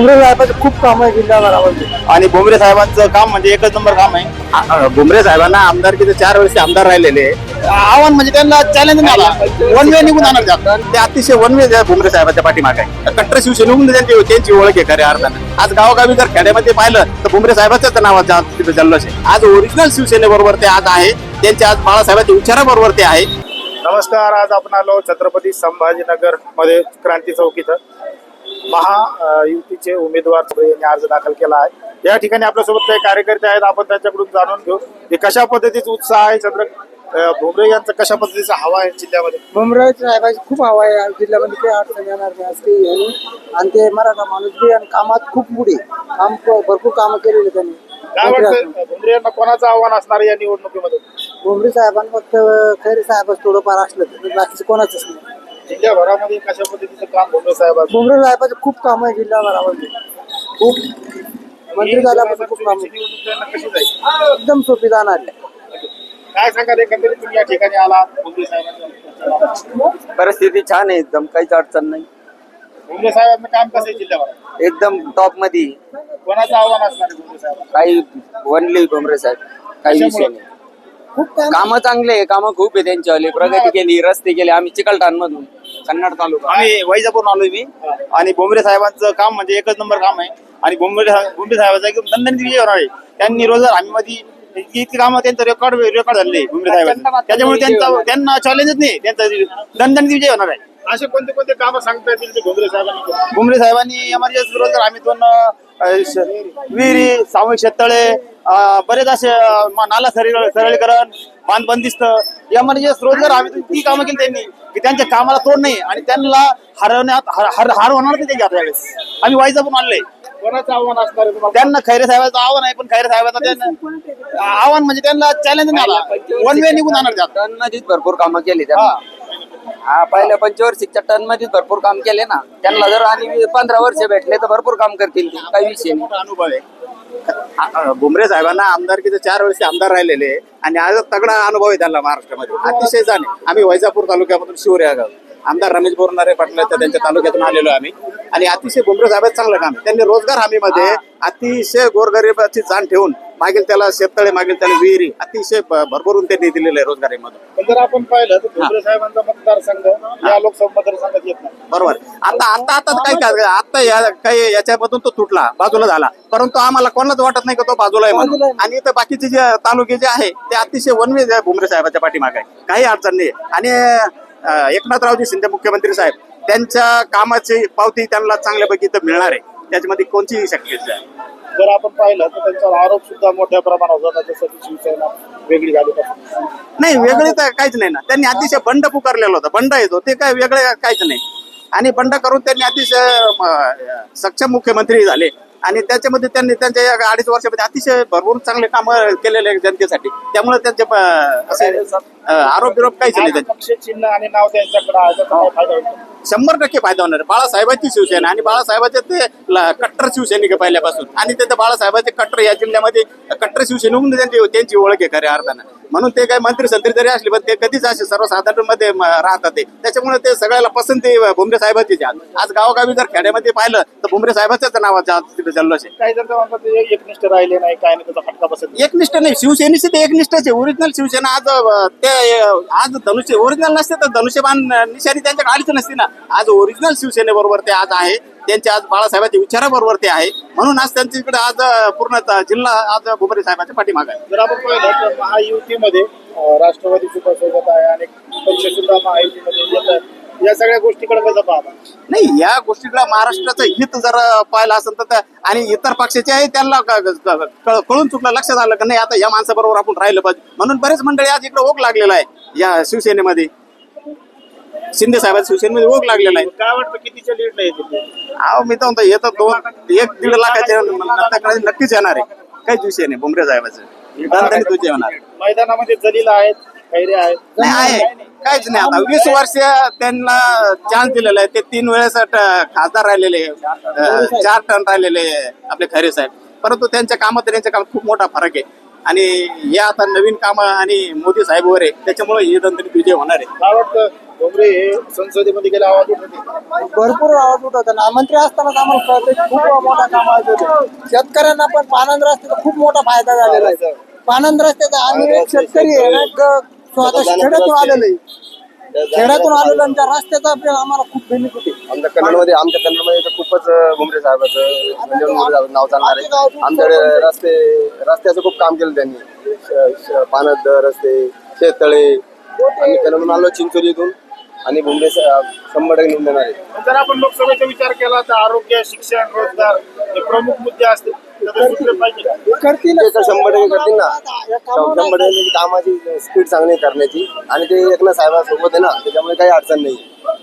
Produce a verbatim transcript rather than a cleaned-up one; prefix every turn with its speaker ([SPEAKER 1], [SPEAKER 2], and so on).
[SPEAKER 1] भुमरे साहेबांचं खूप काम आहे जिल्ह्याभरामध्ये
[SPEAKER 2] आणि भुमरे साहेबांचं काम म्हणजे एकच नंबर काम आहे. आ- आ- भुमरे साहेबांना आमदारकीचे चार वर्ष आमदार राहिलेले आहे. आव्हान म्हणजे त्यांना चॅलेंज नाही आला, वन वे निघून आणणार त्यात. ते अतिशय वन वे भुमरे साहेबांच्या पाठीमागे आहे. कट्टर शिवसेनेहून त्यांची त्यांची ओळख आहे खऱ्या अर्थानं. आज गावोगावी जर खेड्यामध्ये पाहिलं तर भुमरे साहेबांच्याच नावाचा तिथे जल्लोष आहे. आज ओरिजिनल शिवसेनेबरोबर ते आज आहे, त्यांच्या आज बाळासाहेबांच्या विचाराबरोबर ते आहे.
[SPEAKER 3] नमस्कार. आज आपण आलो छत्रपती संभाजीनगर मध्ये क्रांती चौक इथं. महा अ, युतीचे उमेदवार यांनी अर्ज दाखल केला आहे. या ठिकाणी आपल्यासोबत काही कार्यकर्ते आहेत, आपण त्यांच्याकडून जाणून घेऊ की कशा पद्धतीचा उत्साह आहे. चंद्र अ, भुमरे यांचा कशा पद्धतीचा हवा आहे जिल्ह्यामध्ये.
[SPEAKER 1] भुमरे साहेबांची खूप हवा आहे जिल्ह्यामध्ये, काही अडचण येणार नाही असं काही आहे नाही. आणि ते मराठा माणूस बी आणि कामात खूप पुढे काम भरपूर कामं केलेली त्यांनी.
[SPEAKER 3] काय वाटतं भुमरे यांना कोणाचं आव्हान असणार या निवडणुकीमध्ये?
[SPEAKER 1] भुमरे साहेबांना फक्त खैरे साहेबच थोडंफार असलं तर बाकीचं कोणाचंच नाही.
[SPEAKER 3] जिल्ह्याभरामध्ये कशा पद्धतीचं काम भुमरे साहेब असणार?
[SPEAKER 1] भुमरे साहेबांचं खूप काम आहे जिल्ह्याभरामध्ये, खूप मंत्री झाल्यापासून खूप काम आहे.
[SPEAKER 3] निवडणूक त्यांना कशी जाईल?
[SPEAKER 1] एकदम सोपी जाणार आहे.
[SPEAKER 3] काय सांगा एकंदरीत तुम्ही या ठिकाणी आला भुमरे साहेबांच्या?
[SPEAKER 4] परिस्थिती छान आहे, एकदम काहीच अडचण नाही.
[SPEAKER 3] भुमरे साहेबांचं काम कसं आहे जिल्ह्याभरात?
[SPEAKER 4] एकदम टॉप मध्ये.
[SPEAKER 3] कोणाचं आव्हान असणार आहे भुमरे साहेब?
[SPEAKER 4] काही वनली भुमरे साहेब, काही विषय नाही.
[SPEAKER 1] खूप काम
[SPEAKER 4] कामं चांगले आहे, कामं खूप आहे त्यांच्यावाले. प्रगती केली, रस्ते केले. आम्ही चिकलठाण मधून कन्नड तालुका.
[SPEAKER 2] आम्ही वैजापूरून आलोय मी. आणि भुमरे साहेबांचं काम म्हणजे एकच नंबर काम आहे. आणि भुमरे भुमरे साहेबांचा एकदम दणदणीत विजय होणार आहे. त्यांनी रोजगार हमी मध्ये इतकी इतकी कामं त्यांचं रेकॉर्ड रेकॉर्ड झाले भुमरे साहेबांचं. त्याच्यामुळे त्यांचा त्यांना चॅलेंजच नाही, त्यांचा दणदणीत विजय होणार आहे.
[SPEAKER 3] असे कोणते कोणते कामं सांगता येतील ते भुमरे साहेबांनी केली?
[SPEAKER 2] भुमरे साहेबांनी एमर्जन्सी रोजगार हमीतून अं, श- विहिरी, सामूहिक शेततळे, अं, बरेच असे अं, म- नाला सरळ सरळीकरण, बांध बंदिस्त, एमर्जन्सी रोजगार हमीतून ती कामं केली त्यांनी की त्यांच्या कामाला तोड नाही आणि त्यांना हरवण्यात हर हर हार होणार नाही त्यांच्या यावेळेस. आम्ही वाईजापून आणले.
[SPEAKER 3] कोणाचं आव्हान असणार आहे तुम्हाला?
[SPEAKER 2] त्यांना खैरे साहेबांचं आव्हान आहे, पण खैरे साहेबांचं त्यांना आव्हान म्हणजे त्यांना चॅलेंज नाही आला, वन वे निघून आणणार त्यात.
[SPEAKER 4] टन मध्येच भरपूर कामं केली त्यांना. हा, पहिल्या पंचवार्षिकच्या टन मध्येच भरपूर काम केले ना. त्यांना जर आणि पंधरा वर्ष भेटले तर भरपूर काम करतील ते, काही विषय नाही.
[SPEAKER 2] मोठा अनुभव आहे. आ- भुमरे साहेबांना आमदारकीचे चार वर्ष आमदार राहिलेले आहे आणि आज तगडा अनुभव आहे त्यांना महाराष्ट्रामध्ये. अतिशय जाणे. आम्ही वैजापूर तालुक्यामधून शिवरे या गाव आमदार रमेश बोरनारे पाटलाच्या त्यांच्या तालुक्यातून आलेलो आम्ही. आणि अतिशय भुमरे साहेबांचं चांगलं काम आहे. त्यांनी रोजगार हमीमध्ये अतिशय गोरगरिबाची जाण ठेवून मागील त्याला शेततळे, मागील त्याला विहिरी अतिशय भ- भरभरून त्यांनी दिलेलं आहे रोजगारीमधून.
[SPEAKER 3] पण जर आपण पाहिलं तर भुमरे साहेबांचा मतदारसंघ या लोकसभा मतदारसंघात येत नाही.
[SPEAKER 2] बरोबर. आता आता आता काय काय आता या काही याच्यामधून तो तुटला, बाजूला झाला, परंतु आम्हाला कोणालाच वाटत नाही का तो बाजूला आहे म्हणून. आणि इथं बाकीचे जे तालुके जे आहे ते अतिशय वनवे भुमरे साहेबांच्या पाठीमागे आहे, काही अडचण नाही. आणि अं, एकनाथरावजी शिंदे मुख्यमंत्री साहेब त्यांच्या कामाची पावती त्यांना चांगल्यापैकी इथं मिळणार आहे, त्याच्यामध्ये कोणतीही शक्यता आहे.
[SPEAKER 3] जर आपण पाहिलं तर त्यांच्यावर आरोप सुद्धा मोठ्या प्रमाणावर होतात, जसं की शिवसेना वेगळी झाली पासून.
[SPEAKER 2] नाही वेगळे तर काहीच नाही ना. त्यांनी अतिशय बंड पुकारलेलं होतं, बंड येतो ते काय वेगळे काहीच नाही. आणि बंड करून त्यांनी अतिशय म, सक्षम मुख्यमंत्री झाले आणि त्याच्यामध्ये त्यांनी त्यांच्या या अडीच वर्षामध्ये अतिशय भरपूर चांगले काम केलेले आहेत जनतेसाठी. त्यामुळे त्यांचे प, असे अ, आरोप बिरोप काहीच नाही त्यांचे.
[SPEAKER 3] पक्ष चिन्ह आणि नाव त्यांच्याकडे आहे, त्याचा काय फायदा होतो?
[SPEAKER 2] शंभर टक्के फायदा होणार आहे. बाळासाहेबांची शिवसेना आणि बाळासाहेबांचे ते ल- कट्टर शिवसैनिक आहे पहिल्यापासून. आणि ते बाळासाहेबांचे कट्टर या जिल्ह्यामध्ये कट्टर शिवसेनेहून त्यांची त्यांची ओळख आहे खऱ्या अर्थानं. म्हणून ते काय मंत्री संत्री जरी असले पण ते कधीच असे सर्वसाधारण मध्ये म- राहतात ते. त्याच्यामुळे ते सगळ्याला पसंती भुमरे साहेबांचीच आहे. आज गावोगावी जर खेड्यामध्ये पाहिलं तर भुमरे साहेबांच्याच नावाचा तिथे जल्लोष आहे.
[SPEAKER 3] काही जण तर म्हणतात ते एकनिष्ठ राहिले नाही, काय नाही, त्याचा फटका बसत.
[SPEAKER 2] एकनिष्ठ नाही, शिवसेनेचे ते एकनिष्ठच आहे. ओरिजिनल शिवसेना आज अ, ते अ, आज धनुष्य ओरिजिनल नसते तर धनुष्यबाण अ, निशाणी त्यांच्या गाडीच नसते ना. आज ओरिजिनल शिवसेनेबरोबर ते आज आहे, त्यांच्या आज बाळासाहेबांच्या विचाराबरोबर ते आहे. म्हणून आज त्यांच्या इकडे आज अ, पूर्ण त- जिल्हा आज भुमरे साहेबांच्या पाठीमागे आहे.
[SPEAKER 3] जर आपण पाहिलं तर महायुतीमध्ये अं, राष्ट्रवादी सुद्धा सोबत आहे, अनेक पक्ष सुद्धा महायुतीमध्ये येत आहेत. या सगळ्या गोष्टीकडे कसं पाहता?
[SPEAKER 2] नाही, या गोष्टीला महाराष्ट्राचं हित जर पाहिलं असेल तर त्या- आणि इतर पक्षाचे आहे त्यांना क- क- क- कळून चुकलं, लक्षात आलं की नाही आता या माणसाबरोबर आपण राहिलं पाहिजे. म्हणून बरेच मंडळी आज इकडे ओघ लागलेला आहे या शिवसेनेमध्ये. शिंदे साहेबांच्या शिवसेनेमध्ये ओघ लागलेला आहे.
[SPEAKER 3] काय वाटतं कितीच्या लीड नाही येते?
[SPEAKER 2] अहो मी तर म्हणतो येतं दोन एक दीड लाखाच्या नंतर नक्कीच येणार आहे. काहीच विषय नाही भुमरे साहेबाचं दणदणीत तुझे येणार आहे.
[SPEAKER 3] मैदानामध्ये जलील आहेत, खैरे आहेत.
[SPEAKER 2] नाही आहे काहीच नाही. आता वीस वर्ष त्यांना चान्स दिलेला आहे. ते तीन वेळेस ट- खासदार राहिलेले, अं, चार टन राहिलेले आपले खैरे साहेब. परंतु त्यांच्या कामात आणि त्यांच्या कामात खूप मोठा फरक आहे. आणि या आता नवीन कामं आणि मोदी साहेब वगैरे त्याच्यामुळे हे दणदणीत विजय होणार आहे.
[SPEAKER 3] काय वाटतं भुमरे हे संसदेमध्ये गेले आवाज उठवते.
[SPEAKER 1] भरपूर आवाज उठवतो ना. मंत्री असतानाच आम्हाला कळतं की खूप मोठा काम आहे. शेतकऱ्यांना पण पानंद रस्त्याचा खूप मोठा फायदा झालेला आहे. पानंद रस्त्याचा आम्ही एक शेतकरी आहे ना, ग- स्वतः खेड्यातून आलेलो आहे. खेड्यातून आलेलो आणि त्या रस्त्याचा आपल्याला आम्हाला खूप बेनिफिट आहे.
[SPEAKER 5] आमच्या कन्नडमध्ये आमच्या कन्नडमध्ये तर खूपच भुमरे साहेबाचं म्हणजे भुमरे साहेबाचं नाव चालणार आहे. आमच्याकडे रस्ते रस्त्याचं खूप काम केलं त्यांनी. श- श- पानद रस्ते, शेततळे. आम्ही कन्नडून आलो चिंचोली इथून आणि भुमरे सा- शंभर टक्के निवडून देणार आहे.
[SPEAKER 3] जर आपण लोकसभेचा विचार केला तर आरोग्य, शिक्षण, रोजगार हे प्रमुख मुद्दे असतील तर सुटले पाहिजे.
[SPEAKER 1] करतील
[SPEAKER 5] ते तर शंभर टक्के करतील ना. शंभर टक्के कामाची स्पीड चांगली आहे करण्याची आणि ते एकनाथ साहेबांसोबत आहे ना, त्याच्यामुळे काही अडचण नाही.